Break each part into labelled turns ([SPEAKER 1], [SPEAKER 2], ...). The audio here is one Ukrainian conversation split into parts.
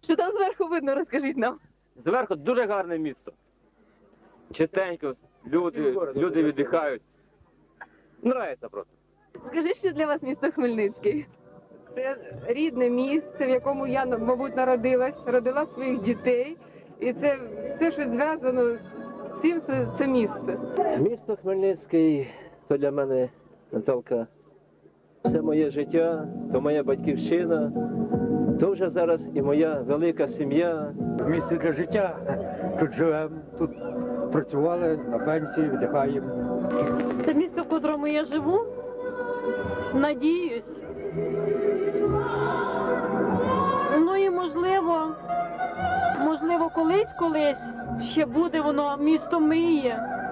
[SPEAKER 1] Що там зверху видно, розкажіть нам.
[SPEAKER 2] Зверху дуже гарне місто. Чистенько, люди віддихають. Нравиться просто.
[SPEAKER 1] Скажіть, що для вас місто Хмельницький? Це рідне місце, в якому я, мабуть, народилась, родила своїх дітей. І це все, що зв'язано з цим, це місце.
[SPEAKER 3] Місто Хмельницький – то для мене, Наталка, все моє життя, то моя батьківщина, то вже зараз і моя велика сім'я.
[SPEAKER 4] Місце для життя. Тут живемо, тут працювали, на пенсії, віддихаємо.
[SPEAKER 5] Це місце, в котрому я живу. Надіюсь. Ну і можливо, колись ще буде воно місто мрії.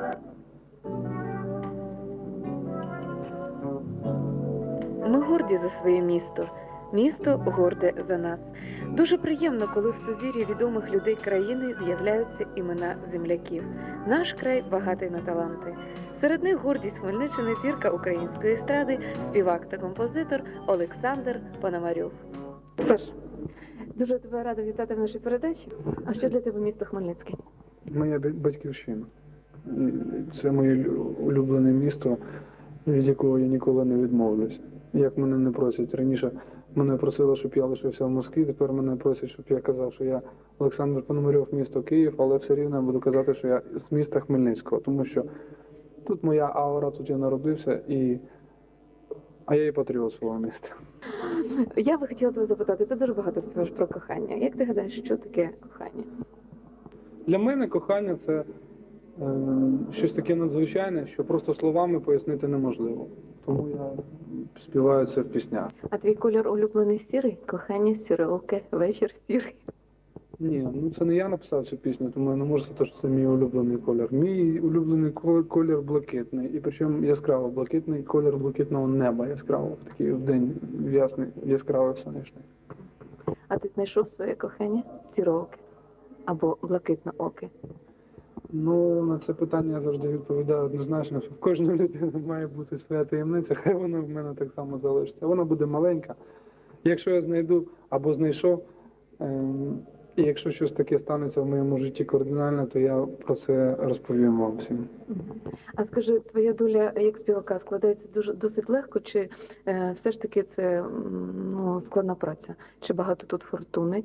[SPEAKER 1] Ми горді за своє місто. Місто горде за нас. Дуже приємно, коли в сузір'ї відомих людей країни з'являються імена земляків. Наш край багатий на таланти. Серед них гордість Хмельниччини, зірка української естради, співак та композитор Олександр Пономарьов. Саш, дуже тебе рада вітати в нашій передачі. А що для тебе місто Хмельницький?
[SPEAKER 6] Моя батьківщина. Це моє улюблене місто, від якого я ніколи не відмовлюсь. Як мене не просять. Раніше мене просили, щоб я лишився в Москві, тепер мене просять, щоб я казав, що я Олександр Пономарьов, місто Київ, але все рівно я буду казати, що я з міста Хмельницького, тому що тут моя аура, тут я народився, а я і патріот свого міста.
[SPEAKER 1] Я би хотіла тебе запитати, ти дуже багато співаєш про кохання. Як ти гадаєш, що таке кохання?
[SPEAKER 6] Для мене кохання – це щось таке надзвичайне, що просто словами пояснити неможливо. Тому я співаю це в піснях.
[SPEAKER 1] А твій колір улюблений сірий? Кохання сіроке, вечір сірий.
[SPEAKER 6] Ні, це не я написав цю пісню, тому я не можу сказати, що це мій улюблений колір. Мій улюблений колір блакитний, і причому яскраво блакитний, колір блакитного неба яскраво, такий в день ясний, яскравий сонячний.
[SPEAKER 1] А ти знайшов своє кохання сірооке або блакитнооке?
[SPEAKER 6] На це питання я завжди відповідаю однозначно, що в кожної людини має бути своя таємниця, хай вона в мене так само залишиться. Вона буде маленька. Якщо я знайду або знайшов, і якщо щось таке станеться в моєму житті кардинально, то я про це розповім вам всім.
[SPEAKER 1] А скажи, твоя доля як співака складається досить легко, чи все ж таки це складна праця? Чи багато тут фортуни?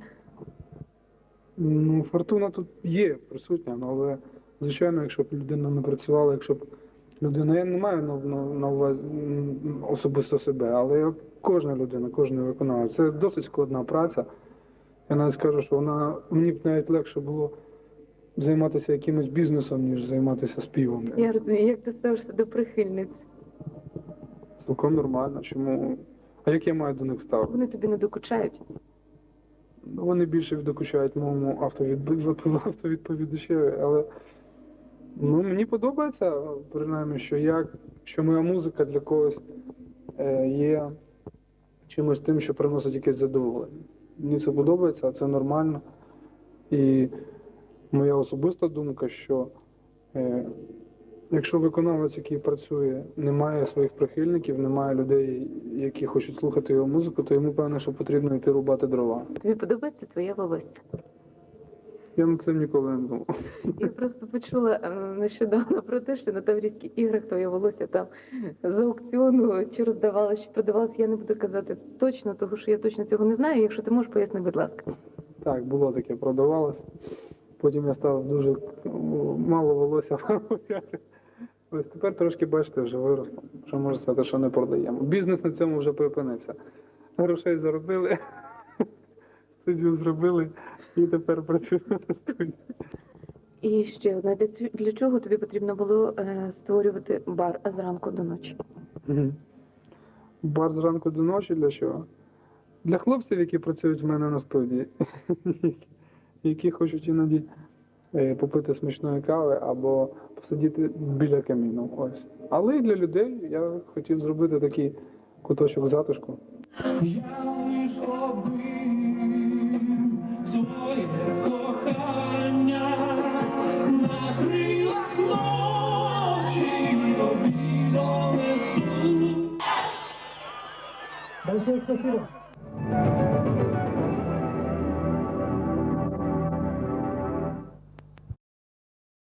[SPEAKER 6] Фортуна тут є присутня, але, звичайно, якщо б людина не працювала, якщо б людина, я не маю на увазі особисто себе, але кожна людина, кожен виконавець, це досить складна праця. Я навіть скажу, що мені б навіть легше було займатися якимось бізнесом, ніж займатися співом.
[SPEAKER 1] Я розумію, як ти ставишся до прихильниць?
[SPEAKER 6] Цілком нормально. Чому? А як я маю до них ставити?
[SPEAKER 1] Вони тобі не докучають?
[SPEAKER 6] Вони більше докучають моєму автовідповідачеві, але мені подобається, принаймні, що моя музика для когось є чимось тим, що приносить якесь задоволення. Мені це подобається, це нормально. І моя особиста думка, що якщо виконавець, який працює, не має своїх прихильників, немає людей, які хочуть слухати його музику, то йому, певно, що потрібно йти рубати дрова.
[SPEAKER 1] Тобі подобається твоє волосся?
[SPEAKER 6] Я над цим ніколи не думав.
[SPEAKER 1] Я просто почула нещодавно про те, що на Таврійських іграх твоє волосся там з аукціону чи роздавалося, чи продавалося. Я не буду казати точно, тому що я точно цього не знаю. Якщо ти можеш, поясни, будь ласка.
[SPEAKER 6] Так, було таке, продавалось. Потім я став дуже мало волосся. Ось тепер трошки, бачите, вже виросло. Що можу сказати, що не продаємо. Бізнес на цьому вже припинився. Грошей заробили, студію зробили і тепер працюємо на студії.
[SPEAKER 1] І ще одне, для чого тобі потрібно було створювати бар зранку до ночі?
[SPEAKER 6] Бар зранку до ночі для чого? Для хлопців, які працюють в мене на студії, які хочуть іноді попити смачної кави або посидіти біля каміну. Ось. Але і для людей я хотів зробити такий куточок затишку.
[SPEAKER 4] Большое спасибо.